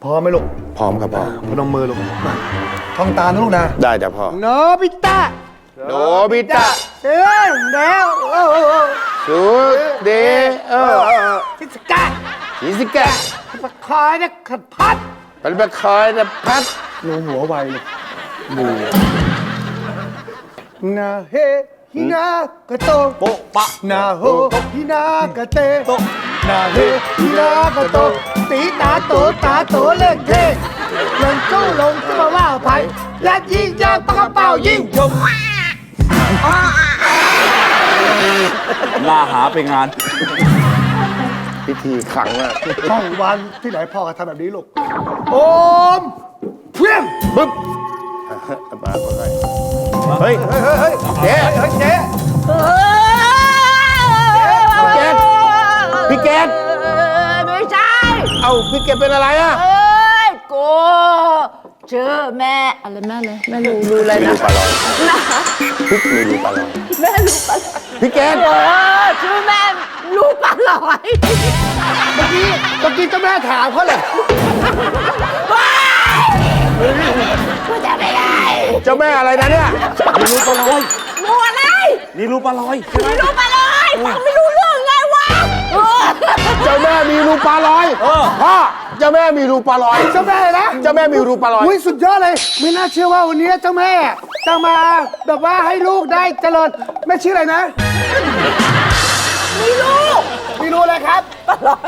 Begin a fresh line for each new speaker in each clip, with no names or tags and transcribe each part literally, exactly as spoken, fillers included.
พร้อมไหมลูก
พร้อมครับพ่อ
พนมมือลูกมาท่องตามนะลูกนะ
ได้จ้ะพ่อ
โนบิตะ
โนบิตะ
เสือแล้วโอ้
สุดเดเออ
ชิสกะ
ชิสกะ
ปะคอยนะขัดพัด
เป็นปะคอยนะพัด
หนูหัวไวเลยมือนาเฮฮินากะโตโปปะนาโฮฮินากะเตโตนาเฮฮินากะโตตีตาโตตาโตเล่นเทลงจู้ลงจะมาว่าไผ่และยิงยางปากกระเป๋ายิงชม
ล่าหาไปงาน
พิธีขังอ่ะ
ช่องวันที่ไหนพ่อก็ทำแบบนี้ลูกโอมเพี้ยงบึ๊บ
มาคนไหนเฮ้ยเฮ้ยเฮ้ยเจ๊เฮ้ยเจ๊พี่เกดพี่เกด
ไม่ใช่
เอ้าพี่เกดเป็นอะไรอ่ะ
เอ้ยกูเจอแม่อะไรแม่เลยแม่รู้รู้อะไรนะ
ปลาลอยนะพี่มีรู้ปลาลอย
แม่รู้ปลาลอย
พี่เกด
เออชื่อแม่รู้ปลาลอย
เมื่อกี้เมื่อกี้เจ้าแม่ถามเขาเลย
กูจะไม่ได้
เจ้าแม่อะไรนะเนี่ย
มีรู้ปลาลอย
รู้อะไร
มีรู้ปลาลอย
มีรู้ปลาลอยฟังไม่รู้เรื่องไงวะ
เจ้าแม่มีรูปลาลอยพ่อเจ้าแม่มีรูปลาลอย
เจ้าแม่นะ
เจ้าแม่มีรูปลาลอย
อุ้ยสุดยอดเลยไม่น่าเชื่อว่าวันนี้เจ้าแม่จะมาแบบว่าให้ลูกได้เจริญแม่ชื่ออะไรนะ
มีรู้
มีรู้อะไรครับ
ปลาลอย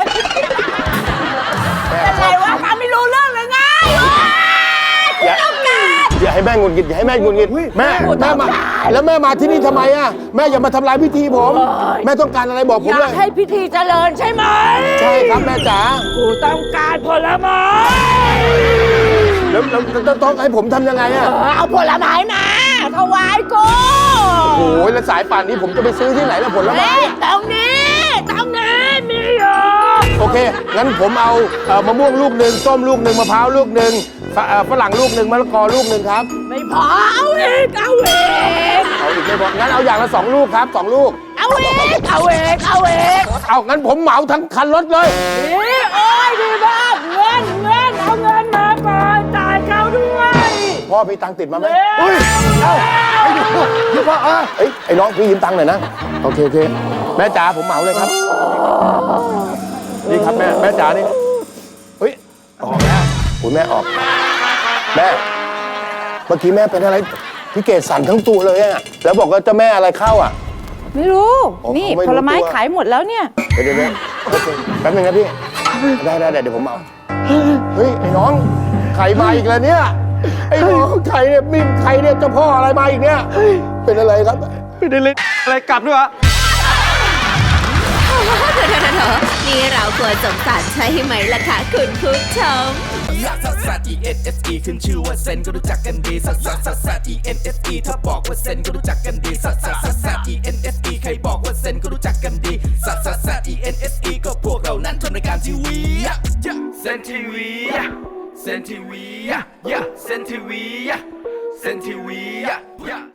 เป็นไรวะฟังไม่รู้เรื่องเลยไง
อย่าอย่าให้แม่งุนงิดอย่าให้แม่งุนงิดแม่แม่มาแล้วแม่มาที่นี่ทำไมอ่ะแม่อย่ามาทำลายพิธีผมแม่ต้องการอะไรบอกผมเลย
อยากให้พิธีเจริญใช่ไหม
ใช่ครับแม่จ๋า
กูต้องการผลไม้
แล้วแล้วต้องให้ผมทำยังไงอ่ะ
เอาผลไม้มาถวายกู
โอ้ยแล้วสายป่านนี้ผมจะไปซื้อที่ไหนล่ะผลไม้
ตรงนี้ตรงนี้มีอยู่
โอเคงั้นผมเอามะม่วงลูกหนึ่งส้มลูกหนึ่งมะพร้าวลูกหนึ่งฝรั่งลูกหนึ่งมะละกอลูกหนึ่งครับ
ไม่พอเอาอีกเอาอีก
เอาอีกไม่พองั้นเอาอย่างละสองลูกครับสองลูก
เอาอีกเอาอีกเอาอีก
เอางั้นผมเหมาทั้งคันรถเลย
นี่โอ้ยดีมากเงินเงินเอาเงินมาก่อนจ่ายเขาด้วย
พ่อมีตังค์ติดมาไหม
อุ้ยเอาไอ้ดูดูพ่อเออ
เอ้ยไอ้น้องพี่ยืมตังค์หน่อยนะโอเคโอเคแม่จ๋าผมเหมาเลยครับนี่ครับแม่แม่จ๋านี่เฮ้ยออกแล้วคุณแม่ออกแม่เมื่อกี้แม่เป็นอะไรพี่เกศสั่นทั้งตัวเลยอะแล้วบอกว่าเจ้าแม่อะไรเข้าอ่ะ
ไม่รู้นี่ผลไม้ขายหมดแล้วเนี่ย
เดี๋ยวเดี๋ยวโอเคแป๊บนึงนะพี่ได้ได้เดี๋ยวผมเอาเฮ้ยไอ้น้องไข่มาอีกแล้วเนี่ยไอ้น้องไข่เนี่ยมีไข่เนี่ยเจ้าพ่ออะไรมาอีกเนี่ยเป็นอะไรครับ
เป็นอะไรอะไรกลับด้วยวะ
เถอะเถอะเถอะนี่เราควรสงสารใช่ไหมล่ะคะคุณผู้ชม
ลักซัสซัส E N S E ขึ้นชื่อว่าเซนก็รู้จักกันดีซัสซัสซัสซัส E N S E ถ้าบอกว่าเซนก็รู้จักกันดีซัสซัสซัสซัส E N S E ใครบอกว่าเซนก็รู้จักกันดีซัสซัสซัส E N S E ก็พวกเรานั้นทำรายการทีวีเซนทีวีเซนทีวีเซนทีวีเซนทีวี